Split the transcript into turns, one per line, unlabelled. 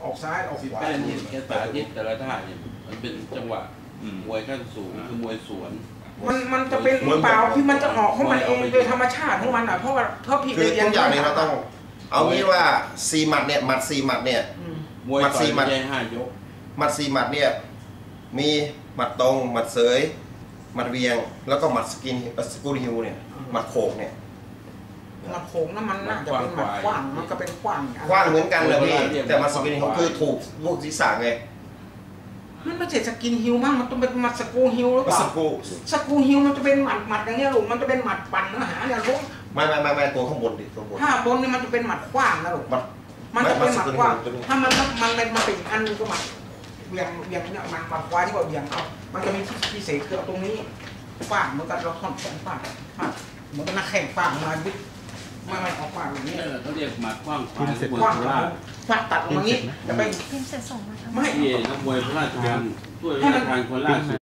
ออกซ้ายออกขวา
แป้นเนี่ยแค่สาธิตแต่ละท่าเนี่ยมันเป็นจังหวะมวยขั้นสูงคือมวยสวน
มันจะเป็นเปล่าที่มันจะออกของมันเองโดยธรรมชาติของมันอ่ะเพราะว่าพี่
คือทุกอย่างนี้เราต้องเอางี้ว่า4 หมัดเนี่ยหมัด4 หมัดเนี่ย
มวยต่อยไม่ใช่5 ยก
หมัด4 หมัดเนี่ยมีหมัดตรงหมัดเสยหมัดเวียงแล้วก็หมัดสกูลฮิวเนี่ยหมัดโขกเนี่ย
หมัดโขงนั่นมันน่าจะเป็นหมัดกว้างมันก็เป็นกว้าง
เหมือนกันเลยพี่แต่หมัดสกูลฮิวคือถูกลูกศีรษะไง
มันไม่ใช่สกินฮิวมั้งมันต้องเป็นหมัดสกูฮิวหรือเปล่าสกูฮิวมันจะเป็นหมัดอย่างเงี้ยลูกมันจะเป็นหมัดปั่นเนื้อหาอย่างลูก
ไม่ตัวข้างบนดิตัวบน
ถ้าบนนี่มันจะเป็นหมัดกว้างนะลูกมันจะเป็นหมัดกว้างถ้ามันเป็นอีกอันนึงก็หมัดเบี่ยงเนี่ยหมัดขวาที่ว่าเบี่ยงเอามันจะมีพิเศษคือเอาตรงนี้ฟาดเหมือนกันเราท่อนแขนฟาดเหมือนกับนักแข่งฟาดมาวิทไม่ออกฟาดอย่างนี้
เขาเรียกหมัดกว้างขวา
ฟาดตัดลงมางี้จะไป
ไม่นักมวยพระราชทานถ้วยพระราชทานคนล่าสุด